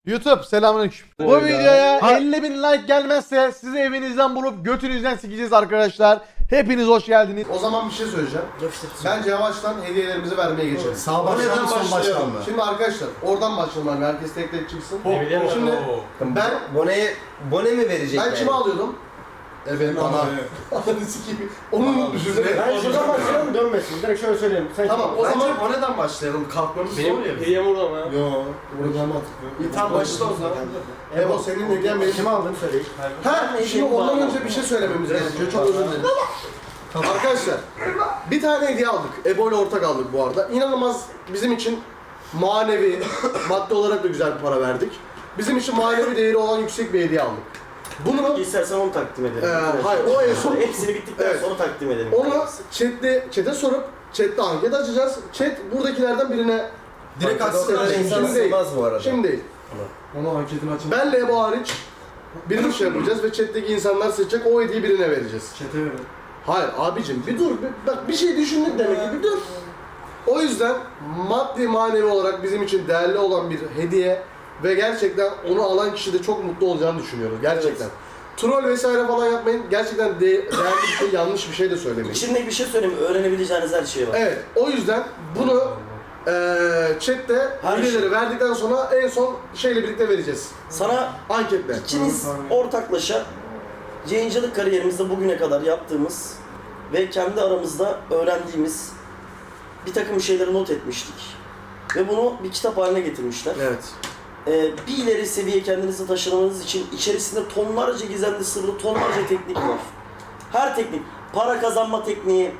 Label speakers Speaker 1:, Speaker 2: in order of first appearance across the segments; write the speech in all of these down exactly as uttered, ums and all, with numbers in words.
Speaker 1: YouTube selamünaleyküm. Bu videoya elli bin like gelmezse sizi evinizden bulup götünüzden sikeceğiz arkadaşlar. Hepiniz hoş geldiniz.
Speaker 2: O zaman bir şey söyleyeceğim. Bence yavaştan hediyelerimizi vermeye geçelim.
Speaker 3: Sağ baştan mı son baştan mı?
Speaker 2: Şimdi arkadaşlar oradan başlayalım. Herkes tek tek çıksın. Şimdi ben
Speaker 3: Bone'ye Bone mi verecek
Speaker 2: ben
Speaker 3: yani?
Speaker 2: kime alıyordum? E benim bana. Ananı sikeyim. Onun düşünsene.
Speaker 4: Ben şuradan başlayalım dönmesin. Direkt şöyle söyleyeyim. Sen
Speaker 2: Tamam o
Speaker 3: Bence
Speaker 2: zaman
Speaker 3: Bone'den başlayalım. Kalkmamız zor
Speaker 4: benim
Speaker 3: ya.
Speaker 4: hediyem orada mı?
Speaker 2: Yo, buradan mantıklı.
Speaker 3: Bir tam başla o zaman.
Speaker 2: Ebo senin hediyen benim.
Speaker 4: Kimi aldın söyle.
Speaker 2: Ha, şimdi ondan önce bir şey söylememiz gerekiyor. Çok özür dilerim. Arkadaşlar, bir tane hediye aldık. Ebo ile ortak aldık bu arada. İnanılmaz bizim için manevi, maddi olarak da güzel bir para verdik. Bizim için manevi değeri olan yüksek bir hediye aldık. Bunu,
Speaker 4: İstersen onu takdim edelim.
Speaker 2: Ee, hayır, o en son-
Speaker 4: Hepsini bittikten
Speaker 2: Evet.
Speaker 4: sonra takdim edelim.
Speaker 2: onu chatte, chat'e sorup, chatte anket açacağız. Chat buradakilerden birine...
Speaker 3: Direkt
Speaker 2: Şimdi
Speaker 3: aslında
Speaker 2: değil,
Speaker 3: insan
Speaker 2: şimdi değil.
Speaker 3: sığmaz bu arada.
Speaker 2: Şimdi değil.
Speaker 3: Ama anketini açalım.
Speaker 2: Benle Ebo hariç bir şey yapacağız ve chat'teki insanlar seçecek, o hediyeyi birine vereceğiz.
Speaker 3: Çete verin.
Speaker 2: Hayır abicim bir dur, bir, bak bir şey düşündük demek ki bir dur. O yüzden maddi manevi olarak bizim için değerli olan bir hediye ve gerçekten onu alan kişi de çok mutlu olacağını düşünüyoruz gerçekten. Troll vesaire falan yapmayın, gerçekten de, değerli bir şey, yanlış bir şey de söylemeyin.
Speaker 4: İçinde bir şey söyleyeyim mi? Öğrenebileceğiniz her şey var.
Speaker 2: Evet, o yüzden bunu eee chatte
Speaker 4: Her
Speaker 2: hediyeleri
Speaker 4: şey.
Speaker 2: verdikten sonra en son şeyle birlikte vereceğiz.
Speaker 4: Sana
Speaker 2: Anketle.
Speaker 4: ikiniz ortaklaşa yayıncılık kariyerimizde bugüne kadar yaptığımız ve kendi aramızda öğrendiğimiz bir takım şeyleri not etmiştik. Ve bunu bir kitap haline getirmişler.
Speaker 2: Evet.
Speaker 4: Ee, bir ileri seviye kendinizi taşımanız için içerisinde tonlarca gizemli sırrı, tonlarca teknik var. Her teknik, para kazanma tekniği,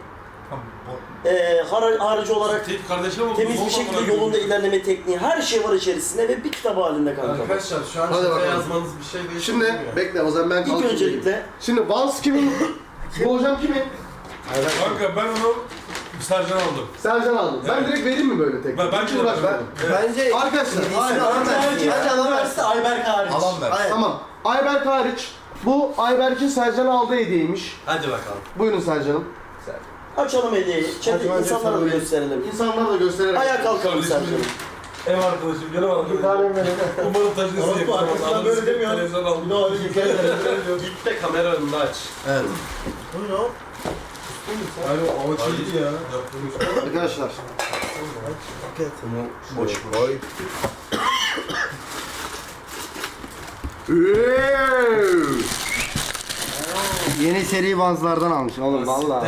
Speaker 4: e, har harcı olarak temiz bir şekilde yolunda ilerleme tekniği, her şey var içerisinde ve bir kitap halinde kanka.
Speaker 3: Arkadaşlar şu an
Speaker 2: Hadi
Speaker 3: çete
Speaker 2: bakalım.
Speaker 3: yazmanız bir şey değil.
Speaker 2: Şimdi bekle o zaman ben
Speaker 4: İlk
Speaker 2: kalkayım.
Speaker 4: öncelikle
Speaker 2: Şimdi Vans kimin? Bu hocam kimin?
Speaker 5: Kanka ben onu Sercan aldım.
Speaker 2: Sercan aldım. Ben
Speaker 5: Evet.
Speaker 2: direkt vereyim mi böyle tek?
Speaker 5: Ben- ben
Speaker 2: Hiç
Speaker 5: de
Speaker 2: uğraşmadım.
Speaker 3: Bence
Speaker 2: Arkadaşlar, hayır,
Speaker 3: alan versin.
Speaker 4: bence alan versin Ayberk hariç.
Speaker 3: Alan ver.
Speaker 2: Tamam. Ayberk hariç. Bu Ayberk'in Sercan'a aldığı hediyeymiş.
Speaker 3: Hadi bakalım.
Speaker 2: Buyurun Sercan'ım.
Speaker 4: Açalım hediyeyi, çete insanlara da gösterelim.
Speaker 2: İnsanlara da göstererek.
Speaker 4: Ayağa kalkalım Sercan'ım.
Speaker 5: Ev arkadaşım, canım arkadaşım. Umarım taşınsın yakın zamanda. Böyle demiyor. Televizyon aldım.
Speaker 3: Git de kamera önünde aç. Evet. Abi o açıldı ya.
Speaker 2: Arkadaşlar.
Speaker 3: Boş koy.
Speaker 6: Yeni seri Vans'lardan almış oğlum vallahi.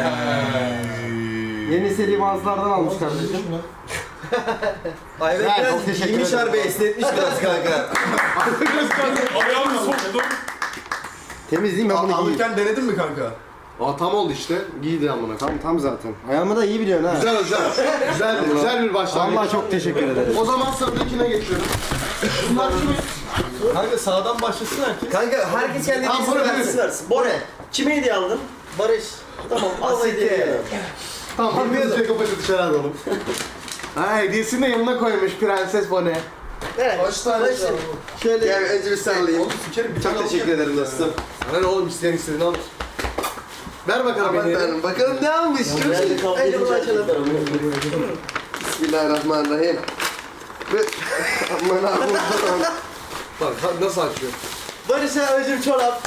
Speaker 6: Yeni seri Vans'lardan almış kardeşim.
Speaker 3: Ayberk
Speaker 6: Ha, çok
Speaker 3: biraz
Speaker 6: teşekkür
Speaker 3: giymiş
Speaker 6: ederim.
Speaker 3: harbi esnetmiş biraz kanka.
Speaker 5: Ayağımı soktum.
Speaker 6: Temiz değil mi? Ben bunu giyeyim.
Speaker 3: Alırken denedin mi kanka?
Speaker 2: Aa tam oldu işte. Giydi amına.
Speaker 6: Tam, tam zaten. Ayağımı da iyi biliyorsun ha.
Speaker 2: Güzel güzel. Güzel, güzel bir başlangıç.
Speaker 6: Vallahi çok teşekkür ederim.
Speaker 2: O zaman sıradakine geçiyorum. Bunlar kimin?
Speaker 3: Kanka sağdan başlasın herkes. Kanka herkes kendi
Speaker 2: Tamam,
Speaker 3: hediyesini
Speaker 2: bunu
Speaker 3: versin.
Speaker 4: Versin. Bora, kime hediye aldın?
Speaker 3: Barış.
Speaker 4: Tamam, al hediyeyi.
Speaker 2: Tamam, hepimiz şey kapatı dışarı alalım. Ha, hediyesini de yanına koymuş Prenses Bonnie.
Speaker 3: Kaç tane
Speaker 2: Şöyle gel önce bir sarılayım.
Speaker 3: Çok teşekkür ederim dostum.
Speaker 2: Sana ne oğlum isteyen istediğini al. Ver bakalım hediyeyi.
Speaker 3: Bakalım ne almış? Çok
Speaker 4: Nerede
Speaker 3: iyi.
Speaker 4: kavga
Speaker 3: Hadi bunu açalım.
Speaker 4: edecekler?
Speaker 2: Bismillahirrahmanirrahim. Ve aman Allah'ım. Bak ha- nasıl açıyor?
Speaker 3: Barış'a özüm çorap.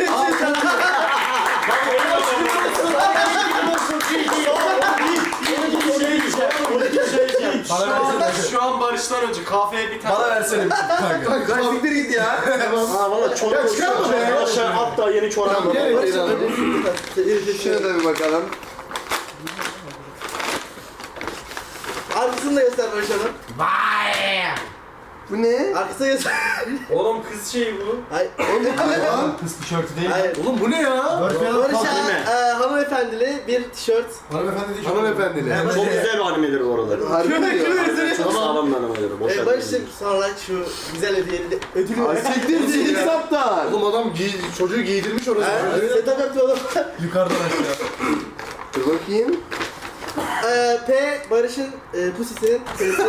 Speaker 7: Şu an Barış'tan önce kahveye bir tane...
Speaker 3: Bana versene kanka.
Speaker 2: Kanka siktir git ya.
Speaker 4: Ha valla çorap
Speaker 2: Ya çıkarma
Speaker 4: olsun.
Speaker 2: be.
Speaker 4: Aşağı hatta yeni çorap
Speaker 2: Tamam
Speaker 4: var.
Speaker 2: gel hediyeyi alalım.
Speaker 3: Şuna da bir bakalım. Arkasını da göster Barış Hanım.
Speaker 2: Bu ne?
Speaker 3: Arkasını göster.
Speaker 7: Oğlum kız şeyi bu.
Speaker 3: Hayır. Oğlum
Speaker 6: Kız tişörtü değil.
Speaker 3: Hayır.
Speaker 2: Oğlum bu ne ya?
Speaker 3: Barış'a e, hanımefendili bir tişört.
Speaker 2: Hanımefendili.
Speaker 4: Çok güzel bir animedir bu aralar.
Speaker 2: Harika diyor.
Speaker 4: Çok sağlam bir animedir. Boş
Speaker 3: E,
Speaker 4: ver.
Speaker 3: Barış'ım sonra şu güzel hediyeli ödülü
Speaker 2: Ay
Speaker 3: ver.
Speaker 2: siktir zil saptan. Oğlum adam giy çocuğu giydirmiş orası.
Speaker 3: Ha, setup yaptı oğlum.
Speaker 6: Yukarıdan aşağı.
Speaker 2: Dur bakayım.
Speaker 3: E, P Barış'ın e, pusisinin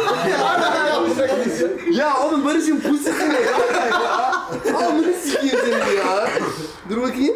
Speaker 2: Ya oğlum Barış'ın pusisi ne ya? Amına sikeyim seni ya. Dur bakayım.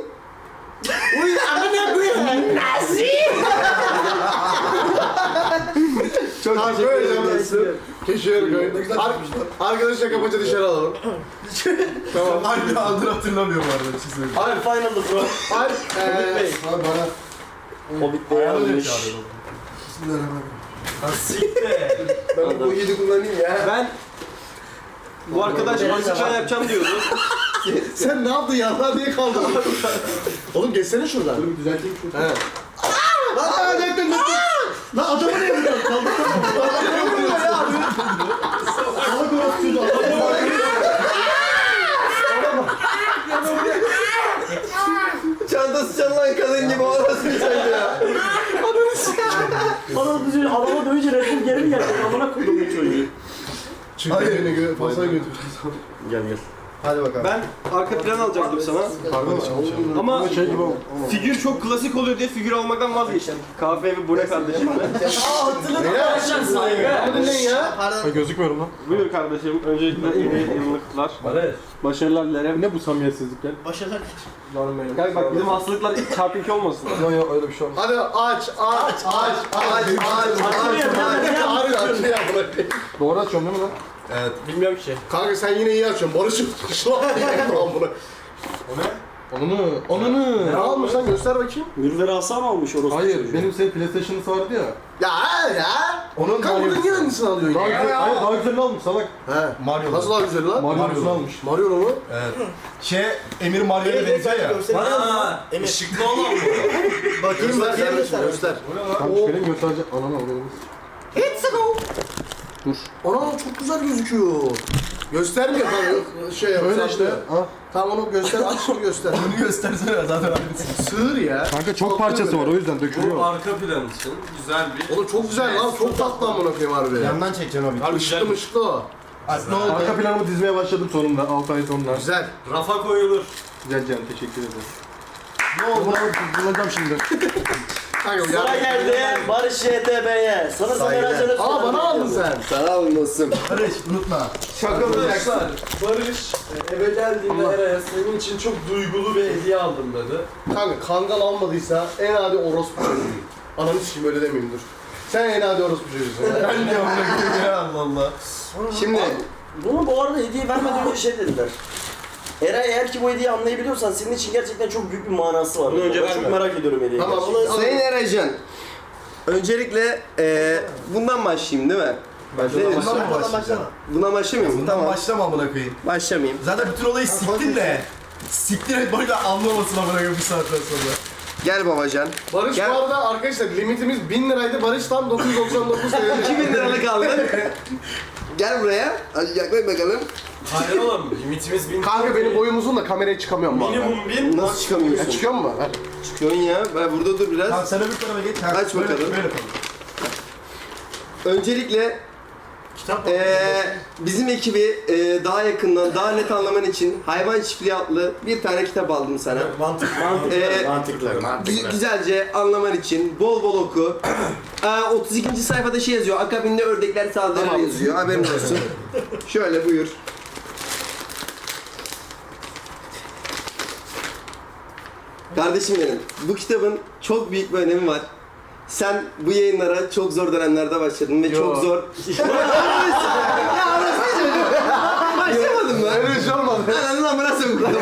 Speaker 2: Uy amına koyayım. Nazi.
Speaker 6: Çok
Speaker 2: Tamam
Speaker 6: teşekkür
Speaker 2: böyle
Speaker 6: ederim.
Speaker 2: yapmışsın. Keşke koy. Ar- Arkadaşlar kapıca dışarı alalım. Tamam.
Speaker 5: Hangi adını hatırlamıyorum arada çizmeyi.
Speaker 4: Abi final'dı bro.
Speaker 2: Alp, eee...
Speaker 5: Abi bana
Speaker 4: Hobbit Bey
Speaker 5: ayağını
Speaker 4: almış.
Speaker 5: çağırıyorum. Bismillahirrahmanirrahim.
Speaker 7: Siktir.
Speaker 2: Ben bu yedi kullanayım ya.
Speaker 7: Ben bu arkadaş bazıkan yapacağım diyordu.
Speaker 2: Sen ne yaptın ya? Diye kaldın. Oğlum geçsene şuradan.
Speaker 5: Dur bir düzelteyim şu.
Speaker 2: He. Lan lan döktün döktün. Lan adamı ne vuruyorsun? Kaldırsana. Adamı ne vuruyorsun ya abi? Salak orası
Speaker 6: Çantası çalınan kadın gibi orası bir şeydi ya.
Speaker 4: Bana dövünce, adama dövünce Red Bull geri mi gelecek? Amına koydum bu çocuğu.
Speaker 2: Hayır. Beni gö fasaya götür.
Speaker 4: Gel gel.
Speaker 6: Hadi bakalım.
Speaker 7: Ben arka plan alacaktım sana. Ama
Speaker 5: Şey gibi oldu.
Speaker 7: figür çok klasik oluyor diye figür almaktan vazgeçtim. Kahve ve bu ne kardeşim?
Speaker 2: Beyler. Bu dinleyin ya.
Speaker 5: Ben gözükmüyorum lan.
Speaker 7: Buyur kardeşim. Öncelikle yeni yıllıklar. Başarılar dilerim. Ne bu samimiyetsizlikler?
Speaker 3: Başarılar.
Speaker 7: Gel bak bizim hastalıklar çarpı iki olmasın.
Speaker 5: Yok yok öyle bir şey olmaz.
Speaker 2: Hadi aç aç aç aç aç aç aç aç ya bırak.
Speaker 5: Doğru açıyorum değil mi lan?
Speaker 7: Evet. Bilmiyorum ki.
Speaker 2: Kanka sen yine iyi açıyorsun. Barış'ım. Şu an tamam bunu.
Speaker 5: Onunu. Onunu.
Speaker 2: Ne almış lan göster bakayım.
Speaker 4: Mürver Asa mı almış orası?
Speaker 5: Hayır benim senin PlayStation'ısı vardı ya.
Speaker 2: Ya ya.
Speaker 5: Onun
Speaker 2: Kanka
Speaker 5: Mario-
Speaker 2: bunun niye hangisini alıyorsun
Speaker 5: Daha
Speaker 2: ya?
Speaker 5: güzel, hayır daha güzelini almış salak.
Speaker 2: He.
Speaker 5: Mario.
Speaker 2: Nasıl daha güzel lan?
Speaker 5: Mario'sunu almış.
Speaker 2: Mario mu?
Speaker 8: Evet. Şey, Emir Mario'ya benziyor ya.
Speaker 7: Bana ışıklı olan mı?
Speaker 2: Bakayım bakayım göster. göster.
Speaker 5: Kanka benim gösterecek. Ananı alayım.
Speaker 2: Ana çok güzel gözüküyor. Göstermiyor kanka. Şey yap.
Speaker 5: Öyle
Speaker 2: saklıyor.
Speaker 5: işte. Ha.
Speaker 2: Tamam onu göster. Aç şunu göster.
Speaker 8: Bunu göstersene zaten aynısı.
Speaker 2: Sığır ya.
Speaker 5: Kanka çok parçası var o yüzden dökülüyor.
Speaker 7: Bu arka plan için güzel bir...
Speaker 2: Oğlum çok güzel lan. Çok tatlı amına koyayım harbi.
Speaker 8: Yandan çekeceğim abi.
Speaker 7: Harbi
Speaker 2: Işıklı
Speaker 7: güzel.
Speaker 2: mışıklı o.
Speaker 8: Aslında ne oldu?
Speaker 5: Arka planımı dizmeye başladım sonunda altı ay sonra.
Speaker 2: Güzel.
Speaker 7: Rafa koyulur.
Speaker 5: Güzel canım teşekkür ederim. Ne oldu? Bulacağım şimdi.
Speaker 2: Kanka
Speaker 4: Sıra geldi Barış Y T B'ye. Sana Sameracı'nı
Speaker 2: Aa bana aldın sen.
Speaker 6: Sana alın dostum.
Speaker 8: Barış unutma.
Speaker 6: Şaka mı?
Speaker 7: Arkadaşlar Barış eve geldiğinde Eray'a senin için çok duygulu bir hediye aldım dedi.
Speaker 2: Kanka kangal almadıysa en adi orospu çocuğu. Ananı sikeyim öyle demeyeyim dur. Sen en adi orospu çocuğusun.
Speaker 8: Ben de onu ya Allah Allah.
Speaker 6: Şimdi
Speaker 4: Bunu bu arada hediye vermeden önce şey dediler. Eray eğer ki bu hediyeyi anlayabiliyorsan senin için gerçekten çok büyük bir manası var.
Speaker 7: Bunu önce
Speaker 4: Ben çok
Speaker 7: verme.
Speaker 4: merak ediyorum hediyeyi.
Speaker 2: Tamam
Speaker 4: gerçekten.
Speaker 2: onu
Speaker 6: Sayın Eracan, öncelikle eee bundan başlayayım değil mi?
Speaker 8: Bundan
Speaker 6: Başlayalım.
Speaker 8: mı başlayacağım?
Speaker 6: Buna başlamayayım mı?
Speaker 8: Bundan
Speaker 6: Tamam.
Speaker 8: başlama amına koyayım.
Speaker 6: Başlamayayım.
Speaker 8: Zaten bütün olayı siktin de. Siktir et böyle anlamasın amına koyayım bir saatten sonra.
Speaker 6: Gel babacan.
Speaker 2: Barış
Speaker 6: Gel.
Speaker 2: bu arada arkadaşlar limitimiz bin liraydı. Barış tam dokuz yüz doksan dokuz T L.
Speaker 6: iki bin liralık aldın. Gel buraya. Hadi yaklaş bakalım.
Speaker 7: Hayır oğlum limitimiz bin.
Speaker 2: Kanka benim boyum uzun da kameraya çıkamıyorum bu arada.
Speaker 7: Minimum bin.
Speaker 6: Nasıl çıkamıyorsun?
Speaker 2: Ya çıkıyor mu? Ver.
Speaker 6: Çıkıyorsun ya. Ben burada dur biraz.
Speaker 8: Tamam sen öbür tarafa geç. Ha,
Speaker 6: Aç
Speaker 8: böyle-
Speaker 6: bakalım.
Speaker 8: Böyle yapalım.
Speaker 6: Öncelikle eee bizim ekibi eee, daha yakından, daha net anlaman için Hayvan Çiftliği adlı bir tane kitap aldım sana.
Speaker 8: Mantıklı.
Speaker 6: Eee,
Speaker 4: Mantıklı.
Speaker 6: gü- güzelce anlaman için bol bol oku. Eee, otuz ikinci sayfada şey yazıyor, akabinde ördekler saldırır yazıyor, haberin olsun. Şöyle buyur. Kardeşim benim, bu kitabın çok büyük bir önemi var. Sen bu yayınlara çok zor dönemlerde başladın ve çok zor... Ya orası çocuk. Başlamadın mı?
Speaker 2: Öyle bir şey olmadı.
Speaker 6: Ananın amına sokuklarım.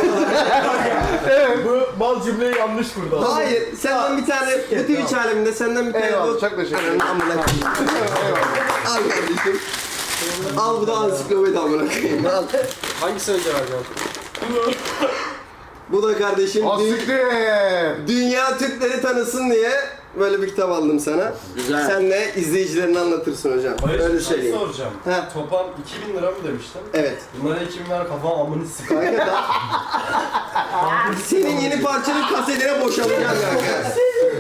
Speaker 8: Bu mal cümleyi yanlış kurdu.
Speaker 6: Hayır, senden bir tane, bu Twitch aleminde senden bir tane
Speaker 2: Eyvallah,
Speaker 6: bu...
Speaker 2: çok teşekkür ederim.
Speaker 6: Ananın amına koyayım. Al kardeşim. Al bu da ansiklopedi amına koyayım. Al.
Speaker 7: Hangisi önce vereceğim?
Speaker 6: Bu da kardeşim dü-
Speaker 2: Asiktir.
Speaker 6: Dünya Türkleri tanısın diye böyle bir kitap aldım sana.
Speaker 4: Güzel.
Speaker 6: Sen de izleyicilerine anlatırsın hocam. Öyle söyleyeyim.
Speaker 7: soracağım.
Speaker 6: Ha.
Speaker 7: Toplam iki bin lira mı demiştin?
Speaker 6: Evet.
Speaker 7: Bunlara iki bin lira kafam amını sıkıyor.
Speaker 6: Kanka da... Senin yeni parçanın kasetine boşalacağım kanka.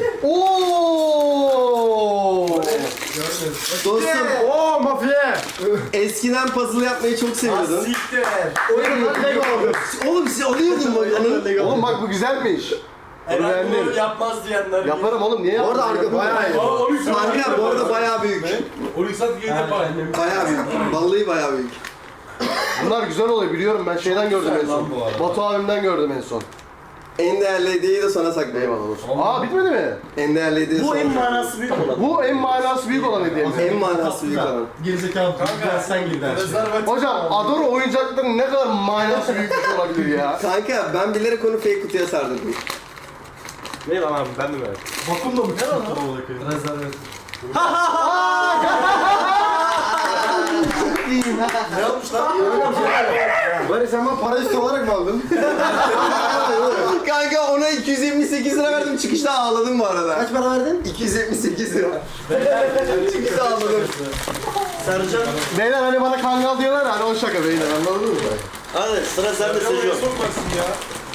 Speaker 2: Ooo.
Speaker 6: Dostum,
Speaker 2: Oo mafya.
Speaker 6: eskiden puzzle yapmayı çok seviyordum.
Speaker 7: Siktir.
Speaker 2: Oyun lan Lego aldım.
Speaker 6: Oğlum siz alıyordun mu? Anı...
Speaker 2: Oğlum bak bu güzelmiş. Onu
Speaker 7: Eray bunu
Speaker 2: beğendim.
Speaker 7: yapmaz diyenler.
Speaker 2: Yaparım oğlum niye
Speaker 6: Bu arada
Speaker 2: yapmadın?
Speaker 6: arka bayağı iyi.
Speaker 7: Aa, on üç
Speaker 6: Arka bu arada bayağı büyük.
Speaker 5: on üç saat geri yapar.
Speaker 6: Bayağı büyük. Vallahi bayağı büyük.
Speaker 2: Bunlar güzel oluyor biliyorum ben şeyden gördüm en son.
Speaker 7: lan bu arada.
Speaker 2: Batu abimden gördüm en son.
Speaker 6: En değerli hediyeyi de sana saklayayım.
Speaker 2: Eyvallah olsun. Aa bitmedi mi?
Speaker 6: En değerli hediyeyi
Speaker 4: Bu
Speaker 6: sana
Speaker 4: en
Speaker 6: saklayayım.
Speaker 4: manası büyük olan.
Speaker 2: Bu en manası büyük olan hediyemiz.
Speaker 6: En manası büyük olan.
Speaker 8: Gerizekalı. Kanka sen gir der.
Speaker 2: Hocam Adoro oyuncakların ne kadar manası büyük bir şey olabilir ya.
Speaker 6: Kanka ben bilerek onu fake kutuya sardırdım.
Speaker 7: Ne lan abi ben de merak ettim.
Speaker 8: Vakum da mı? Ne lan? Rezervet.
Speaker 7: Ne yapmış lan?
Speaker 2: Bari sen bana para üstü olarak mı aldın?
Speaker 6: Kanka ona iki yüz yetmiş sekiz lira verdim, çıkışta ağladım bu arada.
Speaker 3: Kaç para verdin?
Speaker 6: iki yüz yetmiş sekiz lira. Çıkışta ağladım.
Speaker 4: Sercan.
Speaker 2: Beyler hani bana kangal diyorlar ya, hani o şaka beyler, anladınız mı?
Speaker 4: Hadi sıra sende Sejo.
Speaker 5: Sokmasın ya.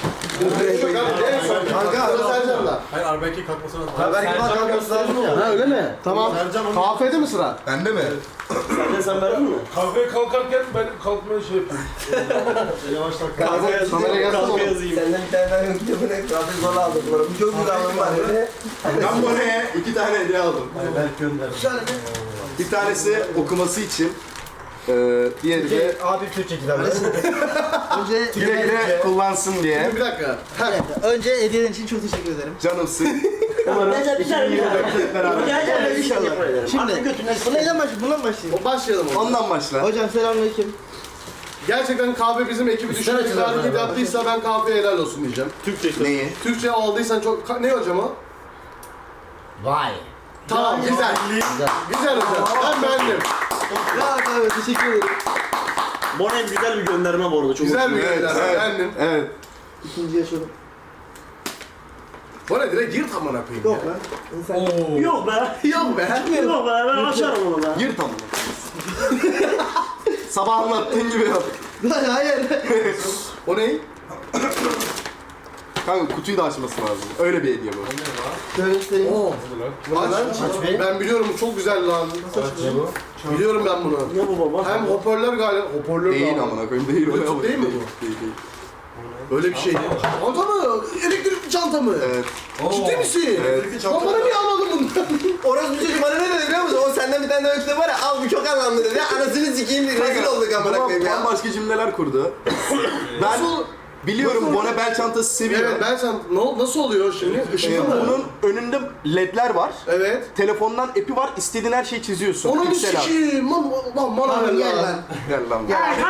Speaker 2: Kanka sıra Sercan'da.
Speaker 8: Hayır Arbeck'e kalkması lazım.
Speaker 3: Ha belki bak kalkması lazım ya.
Speaker 2: Ha öyle mi? Tamam.
Speaker 8: Sercan onu...
Speaker 2: Kahvede mi sıra?
Speaker 8: Bende mi?
Speaker 4: Sercan sen verdin mi?
Speaker 5: Kahveye kalkarken ben kalkmaya şey yapıyorum.
Speaker 8: Yavaştan
Speaker 4: Kahve yazayım.
Speaker 2: Kameraya gelsene
Speaker 4: Kahve
Speaker 2: oğlum.
Speaker 4: yazayım.
Speaker 6: Senden bir tane daha yok kitabını zaten zorla aldım. Bu çok güzel aldım var.
Speaker 8: Ben Bone'ye iki tane hediye aldım.
Speaker 3: Belki gönder.
Speaker 8: Bir tanesi okuması için. Ee, diğeri de
Speaker 3: Abi Türkçe kitap. Önce
Speaker 8: güle güle kullansın diye.
Speaker 2: Bir dakika.
Speaker 3: Önce hediyelerin için çok teşekkür ederim.
Speaker 8: Canımsın.
Speaker 4: Gel gel gel. Gel gel
Speaker 3: İnşallah. Şimdi
Speaker 4: Artık götünden
Speaker 3: bu neyden başlayayım? Bundan başlayayım.
Speaker 2: O başlayalım o.
Speaker 8: Ondan başla.
Speaker 3: Hocam selamünaleyküm.
Speaker 2: Gerçekten kahve bizim ekibi düşündüğü bir hareket yaptıysa ben kahveye helal olsun diyeceğim.
Speaker 8: Neyi?
Speaker 2: Türkçe aldıysan çok... Ka- Ne hocam o?
Speaker 3: Vay.
Speaker 2: Tamam güzel. Güzel hocam. Ben beğendim.
Speaker 3: Ya abi teşekkür ederim.
Speaker 4: Bonem güzel bir gönderme bu arada. Çok
Speaker 2: Güzel bir
Speaker 8: Evet,
Speaker 2: gönderme.
Speaker 8: evet.
Speaker 2: Beğendim.
Speaker 8: Evet.
Speaker 3: İkinci yaşadım.
Speaker 2: Bu ne direkt yırt amına koyayım
Speaker 3: Yok
Speaker 2: ya.
Speaker 3: lan. İnsan...
Speaker 4: Yok be.
Speaker 2: Yok be.
Speaker 4: Yok be. Ben açarım onu be.
Speaker 8: Yırt amına. Sabah anlattığın gibi yap.
Speaker 3: Lan hayır.
Speaker 2: O ne?
Speaker 8: Kanka kutuyu da açması lazım. Öyle bir hediye bu.
Speaker 3: Şöyle göstereyim.
Speaker 2: Oo. Lan
Speaker 3: be.
Speaker 2: ben biliyorum çok güzel lan. Biliyorum ben bunu.
Speaker 4: Ne bu baba?
Speaker 2: Hem hoparlör galiba. Hoparlör
Speaker 8: Değil
Speaker 2: galiba.
Speaker 8: amına koyayım değil.
Speaker 2: Bluetooth
Speaker 8: Öyle
Speaker 2: değil mi
Speaker 8: bu? Değil değil.
Speaker 2: Öyle bir şey. Çanta mı? Elektrikli çanta mı?
Speaker 8: Evet.
Speaker 2: Ciddi misin?
Speaker 8: Evet.
Speaker 2: Lan bana niye anladın bunu?
Speaker 6: Orası bir çocuk bana ne dedi biliyor musun? O senden bir tane daha kitap var ya, al bu çok anlamlı dedi. Anasını sikeyim diye rezil olduk amına koyayım ya.
Speaker 8: Bambaşka cümleler kurdu. Ben
Speaker 2: Nasıl?
Speaker 8: biliyorum
Speaker 2: Nasıl?
Speaker 8: Bone bel çantası seviyor.
Speaker 2: Evet ben sen ne, nasıl oluyor şimdi?
Speaker 8: Ee,
Speaker 2: Işıklı mı?
Speaker 8: bunun önünde ledler var.
Speaker 2: Evet.
Speaker 8: Telefondan app'i var. İstediğin her şeyi çiziyorsun.
Speaker 2: Onu mu
Speaker 8: Piksel art.
Speaker 2: sikiyim? Lan lan bana ver
Speaker 3: Gel
Speaker 2: lan.
Speaker 3: lan.
Speaker 8: Gel lan.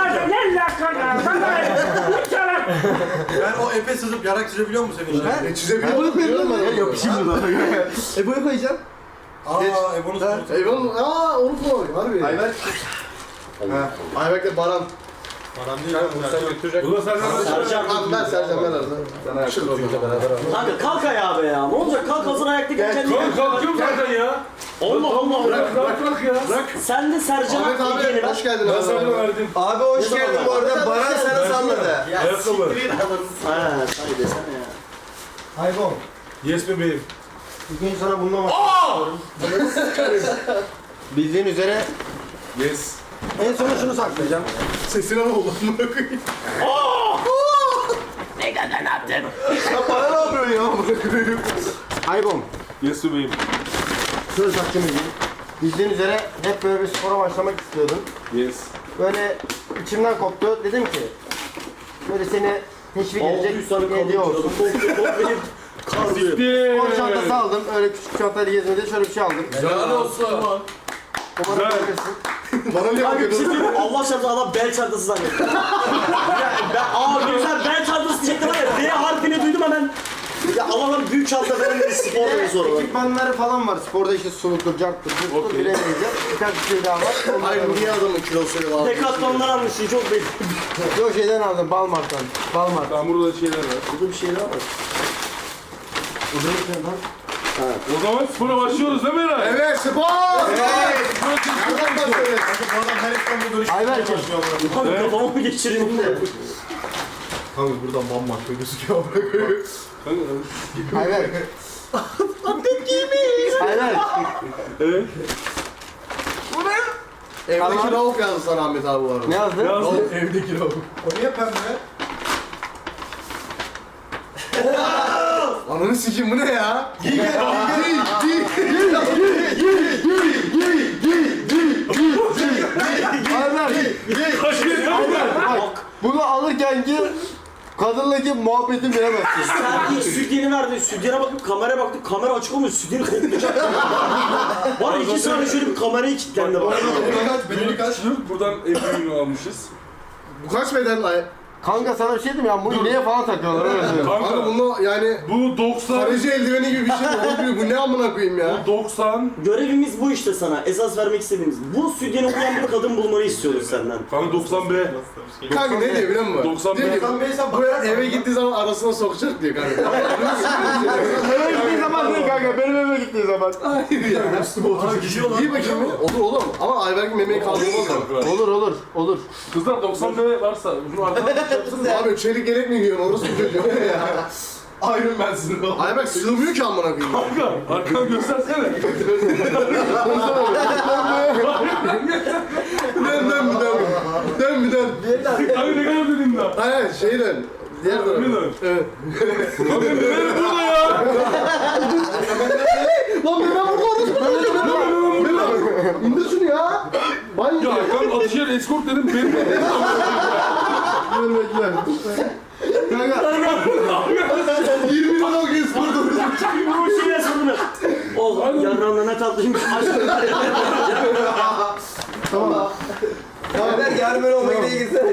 Speaker 7: Ben o epe sızıp yarak çizebiliyor musun senin için?
Speaker 2: E, çizebiliyor biliyorum ben. onu.
Speaker 8: Yapışayım mı lan?
Speaker 3: E bunu koyacağım.
Speaker 7: Aa, e bunu
Speaker 2: Eyvallah. Aa onu koy. Harbi.
Speaker 8: Ayber.
Speaker 2: Ayberk'le Baran.
Speaker 7: Param değil lan sen götürecek.
Speaker 5: Bu da senden
Speaker 4: Sercan.
Speaker 2: Abi ben Sercan ben arada.
Speaker 8: Sana yaptım.
Speaker 4: Kanka kalk ayağa be ya. Ne olacak? Kalk hazır ayaktayken kendini.
Speaker 5: Kalk kalkıyorum zaten ya.
Speaker 4: Allah Allah.
Speaker 5: Bırak bırak bırak ya. Bırak.
Speaker 4: Sen de Sercan'a
Speaker 2: Ahmet abi
Speaker 4: hediye ver.
Speaker 2: hoş geldin
Speaker 5: Ben
Speaker 2: abi.
Speaker 5: sana verdim.
Speaker 6: Abi hoş
Speaker 4: Ne
Speaker 6: geldin
Speaker 4: zaman
Speaker 6: bu arada.
Speaker 2: verdin?
Speaker 6: Baran sana salladı.
Speaker 5: Ayakkabı.
Speaker 4: Ha, say desene ya.
Speaker 3: Haybom.
Speaker 5: Yes bebeğim.
Speaker 3: Bugün sana bundan bahsediyorum. Bildiğin üzere
Speaker 5: Yes.
Speaker 3: en sona şunu saklayacağım.
Speaker 2: Sesine ne oldu? Amına koyayım.
Speaker 8: Bana ne yapıyorsun ya?
Speaker 3: Haybom.
Speaker 5: Yes bebeğim.
Speaker 3: Şöyle saklayayım. Bildiğin üzere hep böyle bir spora başlamak istiyordum.
Speaker 5: Yes.
Speaker 3: Böyle içimden koptu. Dedim ki böyle seni teşvik edecek
Speaker 4: altı yüz tane
Speaker 3: bir hediye
Speaker 4: kaldı.
Speaker 3: olsun.
Speaker 4: Benim kazıyor.
Speaker 3: Spor çantası aldım. Öyle küçük çantayla gezmede şöyle bir şey aldım.
Speaker 5: Helal olsun.
Speaker 3: Umarım
Speaker 5: Güzel.
Speaker 3: beğenirsin.
Speaker 2: Bana niye
Speaker 4: Kanka bir şey
Speaker 2: bakıyorsun?
Speaker 4: diyeyim mi? Allah çarpsın adam bel çantası zannetti. Ya ben aa güzel bel çantası diyecektim var ya. D harfini duydum hemen. Ya Allah'ım büyük çanta falan dedi spor dedi sonra.
Speaker 3: Ekipmanları falan var. Sporda işte sulutur, carttır, buzdur,
Speaker 5: Okey.
Speaker 3: bilemeyeceğim. Birkaç bir şey daha var. Onları
Speaker 2: Hayır
Speaker 3: aldım.
Speaker 2: niye adamın kilosuyla var?
Speaker 4: Decathlon'dan almışsın çok belli.
Speaker 3: Yok şeyden aldım, Balmart'tan. Balmart.
Speaker 5: Ben burada şeyler var.
Speaker 4: Burada bir şey daha var.
Speaker 5: O zaman spora başlıyoruz değil mi Eray?
Speaker 2: Evet spor! Evet! Nereden başlıyoruz?
Speaker 7: Bu adam her İstanbul dönüşü
Speaker 3: Ayberk'im.
Speaker 7: başlıyor bana.
Speaker 4: Kanka kafamı mı geçireyim de.
Speaker 8: Kanka buradan bambaşka gözüküyor.
Speaker 3: Ayberk. Ayberk.
Speaker 2: Evdeki Rauf yazdı sana Ahmet abi bu arada.
Speaker 3: Ne yazdı?
Speaker 5: Yazdım.
Speaker 8: Evdeki lavuk.
Speaker 7: O niye pembe?
Speaker 2: Ananı sikeyim bu ne ya? Giy giy
Speaker 3: Ayberk. Ayberk. Bak. Bunu alırken ki Kadınla muhabbetin bilemezsin.
Speaker 4: Sen ilk sütyeni verdin, sütyene bakıp kameraya baktım, kamera açık olmuş, sütyeni koklayacak. Bana iki saniye şöyle bir kamerayı kilitlendi bana.
Speaker 5: Bedeli kaç? Buradan evini almışız.
Speaker 2: Bu kaç beden ay?
Speaker 3: Kanka sana bir şey diyeyim ya, bu iğneye falan takıyorlar öyle söyleyeyim.
Speaker 2: Kanka
Speaker 5: Kanka
Speaker 2: bunu yani
Speaker 5: bu doksan,
Speaker 2: Paracı eldiveni gibi bir şey mi? Bu ne amına koyayım ya?
Speaker 5: bu doksan.
Speaker 4: Görevimiz bu işte sana, esas vermek istediğimiz. Bu sütyeni okuyan bir kadın bulmanı istiyoruz senden.
Speaker 5: Kanka doksan B.
Speaker 2: Kanka ne diyor biliyor musun?
Speaker 5: doksan
Speaker 2: Diyor ki,
Speaker 5: B.
Speaker 2: bu eve gittiği zaman arasına sokacak diyor kanka.
Speaker 3: Eve gittiği zaman değil kanka, benim eve gittiği zaman.
Speaker 2: Hayır ya. İyi bakayım mı? Olur oğlum ama Ayberk'in memeyi kaldırmaz mı?
Speaker 3: Olur olur, olur.
Speaker 5: Kızlar doksan B varsa bunu arkadan yapsın.
Speaker 2: Abi çelik yelek mi giyiyorsun orası mı çocuğu?
Speaker 8: Iron Man'sin oğlum.
Speaker 2: Ayberk sığmıyor ki amına koyayım.
Speaker 5: Kanka arkadan göstersene.
Speaker 2: Dön dön bir dön. Dön bir dön.
Speaker 5: Kanka ne kadar dedim daha.
Speaker 2: Hayır şey dön. Diğer tarafa.
Speaker 5: Ne dön?
Speaker 2: Evet.
Speaker 5: Kanka neler burada ya?
Speaker 2: Lan ben burada orası mı çocuğu? İndir şunu ya. Banyo.
Speaker 5: Ya kanka Atışehir eskort dedim benim de.
Speaker 3: Dur bekle.
Speaker 2: yirmi lira o kez burada.
Speaker 4: Bu şuraya sorunu. Oğlum yarranla ne tatlıymış.
Speaker 2: Tamam.
Speaker 6: Beyler yarın böyle olmaya gidiyor gitsene.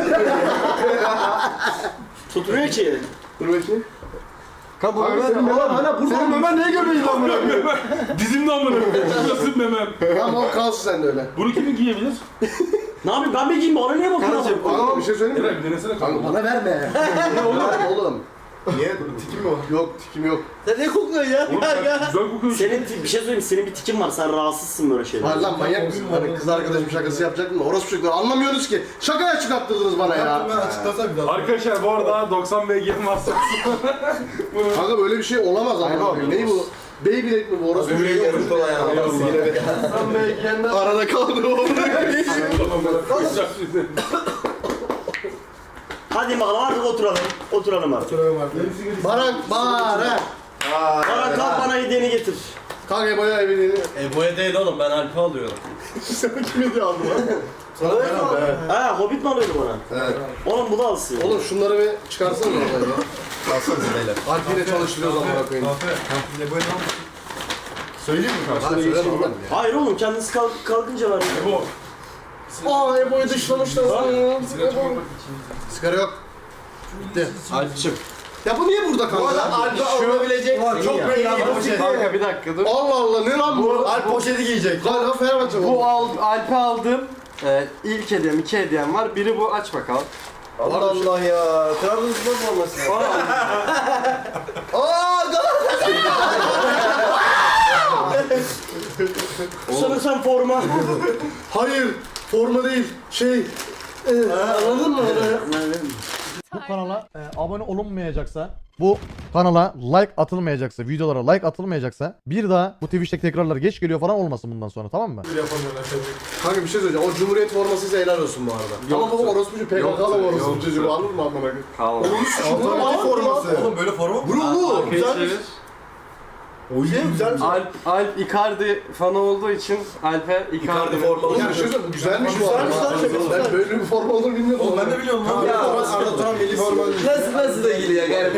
Speaker 4: Tutmuyor ki.
Speaker 2: Dur bakayım.
Speaker 3: Kanka bu
Speaker 2: Abi
Speaker 3: Ömer,
Speaker 2: senin memen hala burada
Speaker 3: senin
Speaker 2: mı?
Speaker 3: Ömer niye göbeği lan bunu?
Speaker 5: Dizimde amına. Şurası memem.
Speaker 2: Tamam o kalsın sen de öyle.
Speaker 5: Bunu kimin giyebilir?
Speaker 4: Ne yapayım ben mi giyeyim bana niye bakıyorsun?
Speaker 3: Kardeşim,
Speaker 2: Kanka bir şey söyleyeyim mi?
Speaker 5: Eray bir denesene kanka.
Speaker 2: Kanka bana verme. Ne oğlum? Oğlum.
Speaker 8: Niye? Tikim mi var?
Speaker 2: Yok tikim yok.
Speaker 4: Sen ne kokuyorsun ya?
Speaker 5: Oğlum sen güzel kokuyorsun.
Speaker 4: Senin ti- bir şey söyleyeyim senin bir tikin var sen rahatsızsın böyle şeyler.
Speaker 2: Var lan manyak mısın? Hani kız arkadaşım şakası yapacaktım da orası çocuklar anlamıyorsunuz ki. Şakaya çıkarttırdınız bana ya.
Speaker 8: Ben açıklasam bir daha.
Speaker 5: Arkadaşlar bu arada doksan B girim varsa.
Speaker 2: Kanka böyle bir şey olamaz ama. Ne bu? Beyblade mi bu? Orası bir şey yok.
Speaker 3: Sen be kendin.
Speaker 2: Arada kaldı o.
Speaker 4: Hadi bakalım artık oturalım. Oturalım artık.
Speaker 2: Baran, Baran.
Speaker 4: Bana kalk bana hediyeni getir.
Speaker 2: Kanka bayağı evini.
Speaker 7: Ebo'ya değil oğlum ben Alp'i alıyorum.
Speaker 2: Sen kim hediye aldın lan?
Speaker 4: Ha Hobbit mi alıyordu bana?
Speaker 2: Evet.
Speaker 4: Oğlum bu da alsın.
Speaker 2: Oğlum şunları bir çıkarsana oradan ya.
Speaker 8: Kalsanıza beyler.
Speaker 2: Alp yine çalıştırıyoruz amına koyayım.
Speaker 8: Ne böyle lan? Söyleyeyim mi kanka?
Speaker 2: Hadi söyleme oğlum ya.
Speaker 4: Hayır oğlum kendisi kalk kalkınca ver.
Speaker 5: Bu.
Speaker 2: Aa Ebo'yu dışlamışlar. Sigara yok. Bitti.
Speaker 3: Alpçım.
Speaker 2: Ya bu niye burada kanka?
Speaker 8: Alp'e alınabilecek çok belli bir poşet.
Speaker 3: Kanka bir dakika dur.
Speaker 2: Allah Allah ne lan bu?
Speaker 8: Alp poşeti giyecek.
Speaker 2: Galiba Fenerbahçe bu.
Speaker 3: Bu al, Alp'e aldım. Ee, ilk hediyem, iki hediyem var. Biri bu, aç bakalım.
Speaker 6: Allah Allah ya. Trabzonspor forması. Aa Galatasaray.
Speaker 4: Sanırsam forma.
Speaker 2: Hayır, forma değil. Şey, e, anladın mı?
Speaker 1: Bu kanala e, abone olunmayacaksa, bu kanala like atılmayacaksa, videolara like atılmayacaksa bir daha bu Twitch'teki tekrarlar geç geliyor falan olmasın bundan sonra, tamam mı?
Speaker 2: Kanka bir şey söyleyeceğim. O Cumhuriyet formasıysa helal olsun bu arada. Ama bu orospucu P K K'lı orospu çocuğu. Anladın mı amına koyayım?
Speaker 3: Tamam.
Speaker 2: Alternatif forması.
Speaker 8: Oğlum böyle forma mı?
Speaker 2: Bu bu.
Speaker 3: Güzelmiş.
Speaker 8: O şey güzel.
Speaker 3: Alp, Alp Icardi fanı olduğu için Alp'e Icardi
Speaker 8: formalı.
Speaker 2: Ya bir şey söyleyeyim. Güzelmiş bu
Speaker 8: Güzelmiş lan,
Speaker 2: arada.
Speaker 8: çok güzel.
Speaker 2: Ben böyle bir forma olur bilmiyordum.
Speaker 8: Oğlum ben de biliyorum lan. Ya Arda Turan milli forma.
Speaker 6: Nasıl nasıl da geliyor garibanım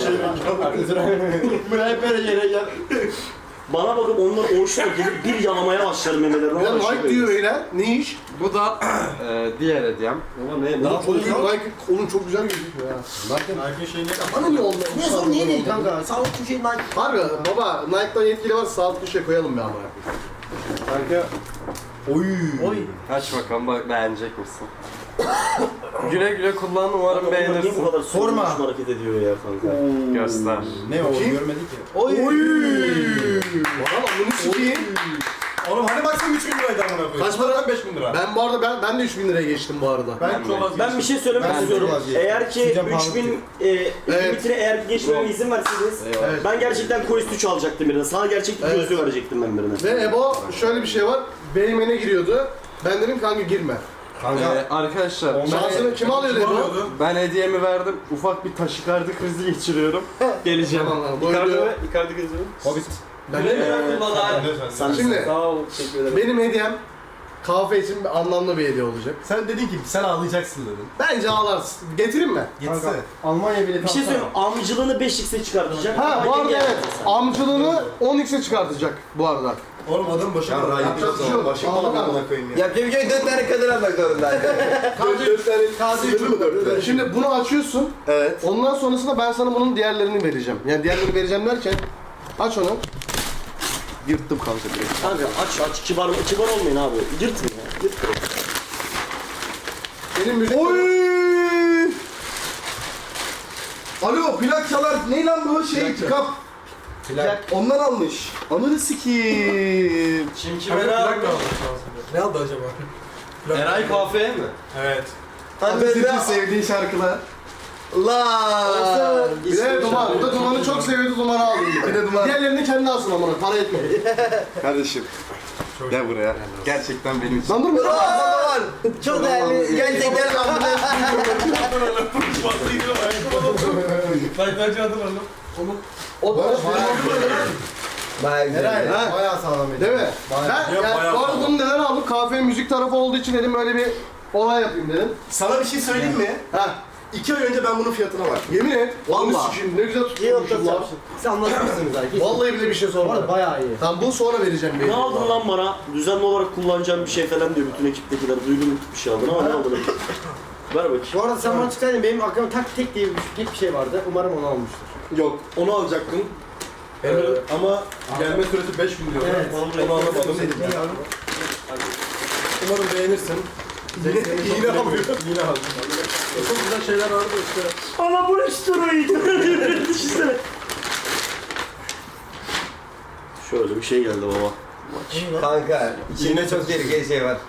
Speaker 6: ben.
Speaker 3: Buraya hep böyle yere gel.
Speaker 4: Bana bakıp onlar oğuşla gelip bir yalamaya başlarım memelerine.
Speaker 2: Ya like diyor beyler. Ne iş?
Speaker 3: Bu da e, diğer hediyem.
Speaker 4: Ulan ne?
Speaker 2: Oğlum çok büyük like. Oğlum çok güzel gözüküyor ya.
Speaker 8: Nike'ın şeyini
Speaker 2: Bana ne oldu?
Speaker 8: Niye sorun niye değil kanka? Sağlıklı şey Nike.
Speaker 2: Harbi baba Nike'dan yetkili var sağlıklı şey koyalım bir amına koyayım.
Speaker 3: Kanka
Speaker 8: Oy.
Speaker 4: Oy.
Speaker 3: aç bakalım, bak beğenecek misin? Güle güle kullan, umarım
Speaker 4: Niye bu
Speaker 3: beğenirsin.
Speaker 4: kadar
Speaker 8: Forma.
Speaker 4: sorma hareket ediyor ya kanka?
Speaker 3: Göster.
Speaker 8: Ne o
Speaker 2: Bakayım.
Speaker 8: görmedik ki.
Speaker 2: Oy. Valla bunu sikeyim.
Speaker 8: Oğlum hani baksana üç bin liraydı amına koyayım.
Speaker 2: Kaç para?
Speaker 8: beş bin lira.
Speaker 2: Ben bu arada ben, ben de üç bin liraya geçtim bu arada.
Speaker 8: Ben çok az
Speaker 4: Ben bir şey söylemek
Speaker 8: Ben
Speaker 4: istiyorum.
Speaker 8: çok vazgeçtim.
Speaker 4: Eğer ki
Speaker 8: Sizce pahalı
Speaker 4: üç bin
Speaker 8: değil.
Speaker 4: e,
Speaker 2: Evet.
Speaker 4: limitine eğer geçmeme izin verseydiniz
Speaker 2: Evet.
Speaker 4: ben gerçekten Quest üç alacaktım birine. Sana gerçek bir
Speaker 2: Evet.
Speaker 4: gözlüğü verecektim ben birine.
Speaker 2: Ve Ebo şöyle bir şey var. Beymene giriyordu. Ben dedim kanka girme.
Speaker 8: Kanka.
Speaker 3: Ee, arkadaşlar
Speaker 2: Şansını kim alıyordu
Speaker 8: Kim
Speaker 2: Ebo?
Speaker 8: alıyordu?
Speaker 3: ben hediyemi verdim. Ufak bir taşikardi krizi geçiriyorum. Geleceğim.
Speaker 2: Tamam lan. Bu
Speaker 3: Icardi
Speaker 2: video...
Speaker 3: ve Icardi krizi.
Speaker 8: Hobbit.
Speaker 2: Ben de mi?
Speaker 4: Sen
Speaker 2: Şimdi
Speaker 4: sağ ol, teşekkür ederim.
Speaker 2: benim hediyem kahve için bir anlamlı bir hediye olacak.
Speaker 8: Sen dedin ki sen ağlayacaksın dedin.
Speaker 2: Bence ağlarsın. Getireyim mi?
Speaker 8: Gitse.
Speaker 3: Almanya bileti
Speaker 4: Bir şey
Speaker 3: alsana.
Speaker 4: söyleyeyim, amcılığını beş x'e çıkartacak.
Speaker 2: Ha bu
Speaker 4: Ama
Speaker 2: arada
Speaker 4: yenge
Speaker 2: evet.
Speaker 4: yapacak.
Speaker 2: Amcılığını on x'e çıkartacak bu arada.
Speaker 8: Oğlum adam başım
Speaker 6: Ya,
Speaker 8: var.
Speaker 2: yapacak bir şey yok.
Speaker 8: Başım
Speaker 2: Anladın
Speaker 8: falan
Speaker 2: mı?
Speaker 8: amına koyayım ya.
Speaker 6: Ya Cemil dört tane kadın almak zorundaydı.
Speaker 2: Dört tane
Speaker 8: Sınırlı mı dört tane?
Speaker 2: Şimdi bunu açıyorsun.
Speaker 6: Evet.
Speaker 2: Ondan sonrasında ben sana bunun diğerlerini vereceğim. Yani diğerlerini vereceğim derken aç onu. Yırttım kanka direkt.
Speaker 4: Kanka aç aç, kibar, kibar olmayın abi. Yırtın ya, yırtın.
Speaker 2: Benim müzik...
Speaker 8: Oy! Alo plak çalar. Ne lan bu şey? Kap.
Speaker 3: Plak.
Speaker 8: Ondan almış. Ananı sikiyim.
Speaker 5: Kim kime ne aldı? Ne aldı acaba?
Speaker 7: Eray kahveye mi?
Speaker 5: Evet.
Speaker 8: Hadi Zeki sevdiğin şarkılar.
Speaker 6: La.
Speaker 2: Bir de Duman. Bu da Duman'ı çok seviyordu, Duman'ı aldım.
Speaker 8: Bir de Duman.
Speaker 2: Diğerlerini kendi alsın amına. Para etmedi.
Speaker 8: Kardeşim. Gel buraya. Gerçekten benim için.
Speaker 2: Lan dur.
Speaker 6: Var. Çok değerli. Gerçekten ambulans.
Speaker 5: Sayfacı hatırladım.
Speaker 2: O da
Speaker 6: Bayağı güzel.
Speaker 2: Ha?
Speaker 3: Bayağı sağlam.
Speaker 2: Değil mi? Ben
Speaker 5: Yok,
Speaker 2: yani
Speaker 5: bayağı
Speaker 2: bu arada
Speaker 5: sağlam.
Speaker 2: bunu neden aldım? Kahve müzik tarafı olduğu için dedim öyle bir olay yapayım dedim.
Speaker 8: Sana bir şey söyleyeyim mi?
Speaker 2: Ha,
Speaker 8: İki ay önce ben bunun fiyatına baktım.
Speaker 2: yemin et.
Speaker 6: Vallahi.
Speaker 2: Vallahi. Şimdi ne güzel tutmuşum lan.
Speaker 3: Siz anlatmışsınız abi.
Speaker 2: Vallahi bile bir şey
Speaker 3: Bu arada
Speaker 2: sormadım.
Speaker 3: bayağı iyi.
Speaker 2: Tamam bunu sonra vereceğim.
Speaker 4: Ne aldın lan bana? Düzenli olarak kullanacağım bir şey falan diyor bütün ekiptekiler. Duydum bir şey aldın ama ne aldın? Ver bakayım.
Speaker 3: Bu arada sen bana çıksaydın benim aklımda tak tek diye bir, tek bir şey vardı. Umarım onu almıştır.
Speaker 7: Yok, onu alacaktım. Ee, ama gelme süresi beş gün diyor.
Speaker 3: Evet.
Speaker 7: Onu, onu anlamadım. Umarım beğenirsin. Yine alıyor. Yine alıyor. Çok güzel şeyler vardı işte.
Speaker 4: Ana bu ne steroid? Düşünsene. Şöyle bir şey geldi baba.
Speaker 6: Kanka içinde çok tehlikeli şey var.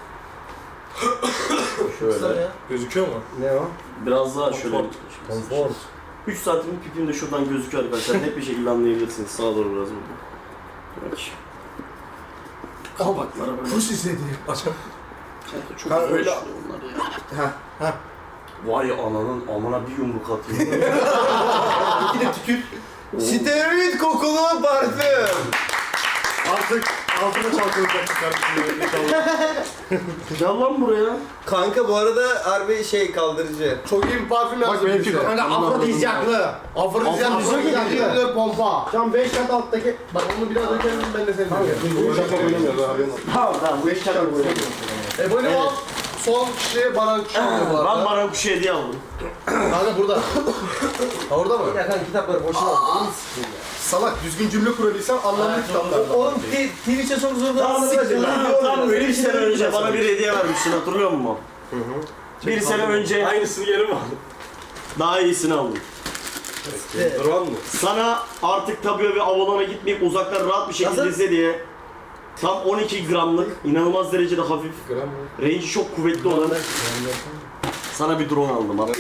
Speaker 4: Şöyle.
Speaker 7: Gözüküyor mu?
Speaker 3: Ne o?
Speaker 4: Biraz daha şöyle.
Speaker 3: Konfor.
Speaker 4: üç santimin pipim de şuradan gözüküyor arkadaşlar. Net bir şekilde anlayabilirsiniz. Sağa doğru biraz burada. Bak. Kapaklara böyle.
Speaker 2: Kuş istedi.
Speaker 7: Açam.
Speaker 4: Çok
Speaker 7: Kanka
Speaker 4: güzel
Speaker 7: öyle-
Speaker 4: işliyor onlar ya. Vay ananın amına bir yumruk atıyor.
Speaker 8: Bir de tükür.
Speaker 6: Steroid kokulu parfüm.
Speaker 8: Artık altına çalkalayacaksın kardeşim.
Speaker 4: Gel lan buraya.
Speaker 6: Kanka bu arada harbi şey kaldırıcı.
Speaker 2: Çok iyi bir parfüm
Speaker 8: Bak
Speaker 2: yazdım
Speaker 8: benimki
Speaker 2: bize.
Speaker 3: Kanka afrodizyaklı.
Speaker 2: Afrodizyak bir
Speaker 3: Afrodizyak
Speaker 2: şey
Speaker 3: geliyor.
Speaker 2: geliyor pompa.
Speaker 3: Şu an beş kat alttaki...
Speaker 2: Bak onu biraz dökelim ben de seni dökerim.
Speaker 8: Şaka oynamıyoruz abi.
Speaker 4: Tamam tamam bu iş kadar buraya.
Speaker 2: E böyle
Speaker 4: Evet.
Speaker 2: al. Son kişi bana şu bu
Speaker 4: Ben
Speaker 2: arada.
Speaker 4: bana kuşu hediye aldım.
Speaker 2: Kanka burada. Ha orada mı?
Speaker 3: Ya kanka kitapları boşuna al.
Speaker 8: Salak düzgün cümle kurabilsem anlamlı kitaplardan.
Speaker 3: Oğlum Twitch'e çok zor
Speaker 4: Tam,
Speaker 3: zamanlar
Speaker 4: tam, tam bir sene önce bana bir hediye vermiştin hatırlıyor musun? Bir sene önce
Speaker 7: Aynısını geri mi aldın?
Speaker 4: daha iyisini aldım.
Speaker 7: Duran mı?
Speaker 4: Sana artık tabiye ve Avalon'a gitmeyip uzaktan rahat bir şekilde
Speaker 3: Nasıl?
Speaker 4: izle diye tam on iki gramlık, inanılmaz derecede hafif,
Speaker 7: Gram mı?
Speaker 4: range'i çok kuvvetli olan sana bir drone aldım abi.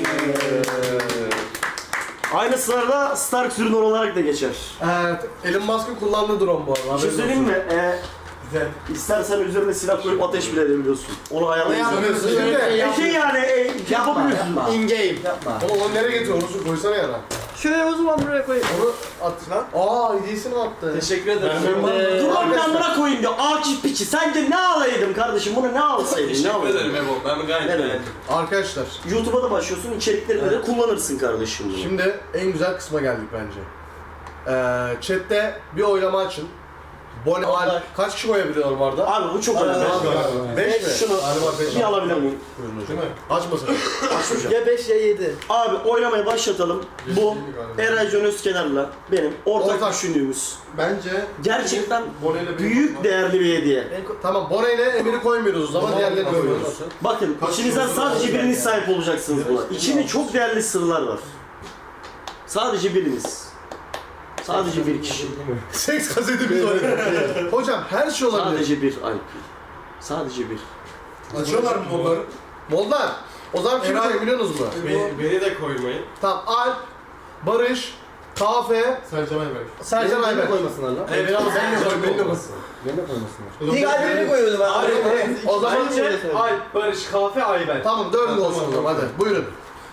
Speaker 4: Aynı sırada Stark ürünü olarak da geçer.
Speaker 2: Evet. Elon Musk'ın kullandığı drone bu arada.
Speaker 4: Bir şey söyleyeyim mi? Ee, İstersen üzerine silah koyup ateş bile edebiliyorsun. Onu ayarlayabiliyorsun.
Speaker 2: Şimdi
Speaker 4: E şey yani e, yapabiliyorsun.
Speaker 3: In game. Yapma.
Speaker 2: Oğlum onu nereye getiriyor? Onu koysana yana.
Speaker 3: Şuraya o zaman buraya koyayım.
Speaker 2: Onu at lan. Aa hediyesini mi attı?
Speaker 7: Teşekkür ederim.
Speaker 4: Dur lan bir amına koyayım diyor. Akif piçi. Sence ne alaydım kardeşim? Bunu ne alsaydın? Ne
Speaker 7: Teşekkür
Speaker 4: alaydım?
Speaker 7: ederim Ebo. Ben gayet
Speaker 4: Ne demek?
Speaker 7: beğendim.
Speaker 2: Arkadaşlar
Speaker 4: YouTube'a da başlıyorsun. İçeriklerini de kullanırsın kardeşim bunu.
Speaker 2: şimdi en güzel kısma geldik bence. Ee, chatte bir oylama açın. Bone al. Kaç kişi koyabiliyorlar bu arada?
Speaker 4: Abi bu çok önemli.
Speaker 2: beş mi?
Speaker 4: Şunu
Speaker 2: Hadi bak beş.
Speaker 4: bir alabilir miyim?
Speaker 2: Değil mi? Açmasın.
Speaker 4: Açmayacağım.
Speaker 3: Ya beş ya yedi.
Speaker 4: Abi oylamaya başlatalım. Bu Eray Can Özkenar'la benim ortak,
Speaker 2: Ortak.
Speaker 4: düşündüğümüz
Speaker 2: Bence
Speaker 4: gerçekten
Speaker 2: Bone'yle benim
Speaker 4: büyük değerli bir hediye.
Speaker 2: tamam Bone ile Emir'i koymuyoruz o zaman diğerlerini koyuyoruz.
Speaker 4: Bakın içinizden sadece biriniz sahip olacaksınız buna. İçinde çok değerli sırlar var. Sadece biriniz. Sadece bir kişi.
Speaker 2: Seks kasetimiz var. Hocam her şey olabilir.
Speaker 4: Sadece bir ay. Sadece bir.
Speaker 8: Açıyorlar mı onları?
Speaker 2: Mollar. O zaman kim koyuyor biliyorsunuz mu?
Speaker 7: Beni, beni de koymayın.
Speaker 2: Tamam Alp, Barış, Kafe,
Speaker 7: Sercan Ayberk.
Speaker 2: Sercan Ayberk.
Speaker 3: koymasınlar lan.
Speaker 2: Evet, biraz ben de koyayım, beni de koymasın.
Speaker 3: Beni de koymasınlar.
Speaker 6: İlk albümünü koyuyordum abi.
Speaker 2: O zaman
Speaker 7: Alp, Barış, Kahve, Ayberk.
Speaker 2: tamam dördü olsun o zaman hadi buyurun.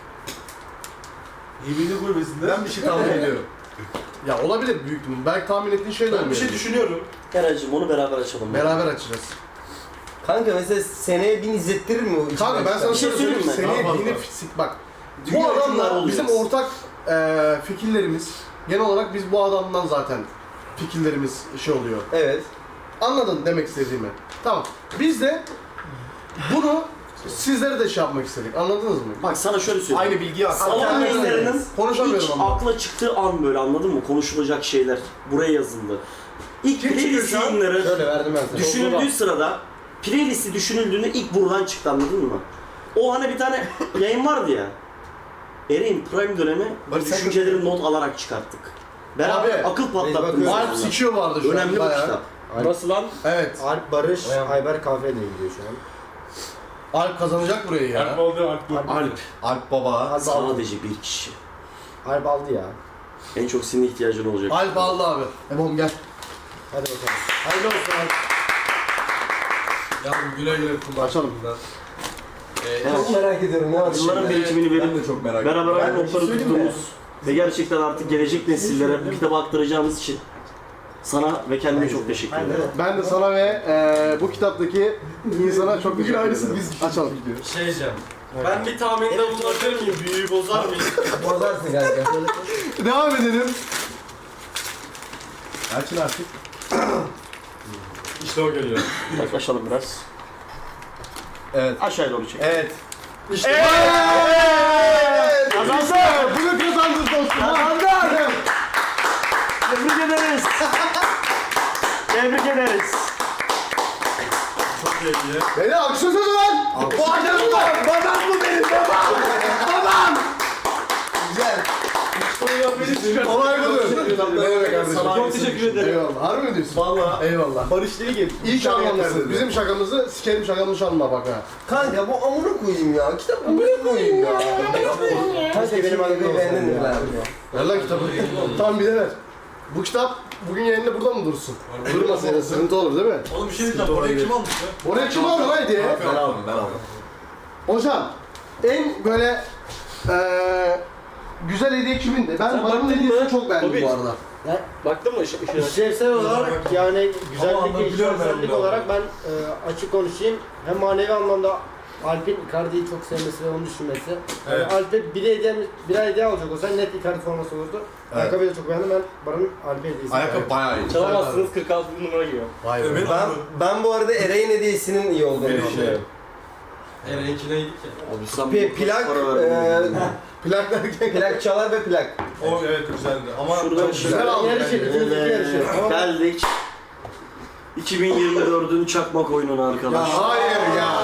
Speaker 8: Yeminli kulübesinde. Ben bir şey tahmin ediyorum.
Speaker 2: Ya olabilir büyük ihtimal. Belki tahmin ettiğin şey de
Speaker 8: Ben bir
Speaker 2: olmuyor.
Speaker 8: şey düşünüyorum.
Speaker 4: Eray'cığım onu beraber açalım.
Speaker 2: Beraber açacağız.
Speaker 6: Kanka mesela seneye bin izlettirir mi o?
Speaker 2: Kanka ben sana
Speaker 4: Bir şey
Speaker 2: şöyle söyleyeyim.
Speaker 4: söyleyeyim mi?
Speaker 2: Seneye
Speaker 5: Daha fazla.
Speaker 2: binip sik bak. Bu
Speaker 4: Dünya
Speaker 2: adamla
Speaker 4: hükümdarı
Speaker 2: bizim
Speaker 4: olacağız.
Speaker 2: ortak e, fikirlerimiz genel olarak biz bu adamdan zaten fikirlerimiz şey oluyor.
Speaker 6: Evet.
Speaker 2: Anladın demek istediğimi. Tamam. Biz de bunu sizlere de şey yapmak istedik. Anladınız mı?
Speaker 4: Bak sana şöyle söyleyeyim.
Speaker 8: Aynı bilgiyi ak.
Speaker 4: Salon yayınlarının
Speaker 2: Konuşamıyorum
Speaker 4: ilk
Speaker 2: ama.
Speaker 4: akla çıktığı an böyle anladın mı? Konuşulacak şeyler buraya yazıldı. İlk
Speaker 2: Kim çıkıyor
Speaker 4: playlist
Speaker 2: şu an?
Speaker 4: yayınları
Speaker 3: Şöyle verdim ben sana.
Speaker 4: düşünüldüğü sırada playlisti düşünüldüğünde ilk buradan çıktı anladın mı? O hani bir tane yayın vardı ya. Eray'in prime dönemi
Speaker 8: Barış sen-
Speaker 4: düşünceleri not alarak çıkarttık. Beraber
Speaker 2: Abi,
Speaker 4: akıl patlattım.
Speaker 3: bakıyoruz.
Speaker 2: Alp sikiyor vardı şu
Speaker 4: Önemli
Speaker 2: an
Speaker 4: bu
Speaker 2: bayağı.
Speaker 4: kitap.
Speaker 3: Nasıl lan?
Speaker 2: Evet.
Speaker 3: Alp Barış, Ayber kahveyle gidiyor şu an.
Speaker 2: Alp kazanacak burayı ya.
Speaker 5: Alp oldu, Alp bu.
Speaker 4: Alp
Speaker 8: Alp baba.
Speaker 3: Alp aldı.
Speaker 4: sadece bir kişi.
Speaker 3: Alp aldı ya.
Speaker 4: En çok senin ihtiyacın olacak.
Speaker 2: Alp aldı abi. Ebom gel.
Speaker 3: Hadi bakalım. Hayırlı olsun Alp.
Speaker 5: Yalnız güle güle kullan.
Speaker 2: Açalım.
Speaker 4: Evet.
Speaker 6: Çok merak ediyorum ne var
Speaker 4: Yılların
Speaker 6: şimdi?
Speaker 4: birikimini
Speaker 8: Ben
Speaker 4: verip
Speaker 8: de çok merak
Speaker 4: beraber
Speaker 6: Ben
Speaker 4: aynı
Speaker 6: bir
Speaker 4: notları
Speaker 6: şey söyleyeyim mi?
Speaker 4: tuttuğumuz ve gerçekten artık gelecek nesillere bu kitabı aktaracağımız için sana ve kendime çok teşekkür ederim.
Speaker 2: Ben de sana ve e, bu kitaptaki insana çok teşekkür ederim. Açalım.
Speaker 7: Şey diyeceğim. Ben bir tahminde bulunabilir miyim? Büyüyü bozar mıyım?
Speaker 6: Bozarsın kanka.
Speaker 2: Devam edelim.
Speaker 8: Açın artık.
Speaker 5: İşte o geliyor.
Speaker 4: Yaklaşalım biraz.
Speaker 8: Evet.
Speaker 4: Aşağıya doğru çek.
Speaker 8: Evet.
Speaker 2: İşte
Speaker 4: Kazandı!
Speaker 2: bunu kazandın dostum.
Speaker 4: Kazandı! Tebrik ederiz. Tebrik ederiz.
Speaker 5: Çok iyi hediye.
Speaker 2: Beni alkışlasana lan. Bu akşam var.
Speaker 6: Babam bu benim babam. Babam. Güzel.
Speaker 2: Olay budur. Ne demek kardeşim?
Speaker 7: Çok teşekkür ederim.
Speaker 2: Eyvallah. Harbi mi diyorsun?
Speaker 8: Valla.
Speaker 2: Eyvallah.
Speaker 8: Barış değil ki.
Speaker 2: İyi ki anlamışsın. Bizim şakamızı sikerim şakamızı çalma bak ha.
Speaker 6: Kanka bu amına koyayım ya. Kitap amına koyayım ya. Kanka benim annemi beğendin mi lan?
Speaker 2: Ver lan kitabı. Tamam bir de ver. Bu kitap bugün yayında burada mı dursun? Durmasaydı sıkıntı olur değil mi?
Speaker 5: Oğlum bir şey diyeceğim. Orayı kim almış ya?
Speaker 2: Oraya kim aldı lan hediye?
Speaker 8: Ben aldım ben aldım.
Speaker 2: Hocam en böyle eee güzel hediye kimindi? Ben Baran'ın hediyesini çok beğendim bu arada.
Speaker 7: Baktın mı ışık ışığına?
Speaker 3: İşlevsel olarak yani güzellik
Speaker 5: anladım,
Speaker 3: ve
Speaker 5: biliyorum ben
Speaker 3: işlevsellik
Speaker 5: bunu.
Speaker 3: olarak ben e, açık konuşayım. Hem manevi anlamda Alp'in Icardi'yi çok sevmesi ve onu düşünmesi.
Speaker 5: Evet.
Speaker 3: Yani Alp'e bir hediye, bir hediye alacak olsa net Icardi forması olurdu.
Speaker 8: Evet.
Speaker 3: Ayakkabıyı da çok beğendim. Ben Baran'ın Alp'e hediyesi.
Speaker 8: Ayakkabı bayağı iyi.
Speaker 7: Çalamazsınız kırk altı numara giyiyor.
Speaker 2: Vay
Speaker 5: Evet.
Speaker 6: Ben, ben bu arada Eray'ın hediyesinin iyi olduğunu
Speaker 5: Evet.
Speaker 6: düşünüyorum.
Speaker 5: Eren'inki neydi ki?
Speaker 4: Abi sen
Speaker 6: P-
Speaker 4: bu
Speaker 6: plak,
Speaker 4: para verdin.
Speaker 6: eee
Speaker 2: Plak derken.
Speaker 6: plak çalar ve plak.
Speaker 5: O evet güzeldi ama
Speaker 4: Şuradan
Speaker 5: çok
Speaker 4: şöyle-
Speaker 2: Güzel aldı.
Speaker 3: Yarışı, ikimizdeki yarışı.
Speaker 4: Evet,
Speaker 3: Ama
Speaker 4: geldik. iki bin yirmi dördün çakmak oyununa
Speaker 2: Ya
Speaker 4: arkadaşlar.
Speaker 2: hayır ya.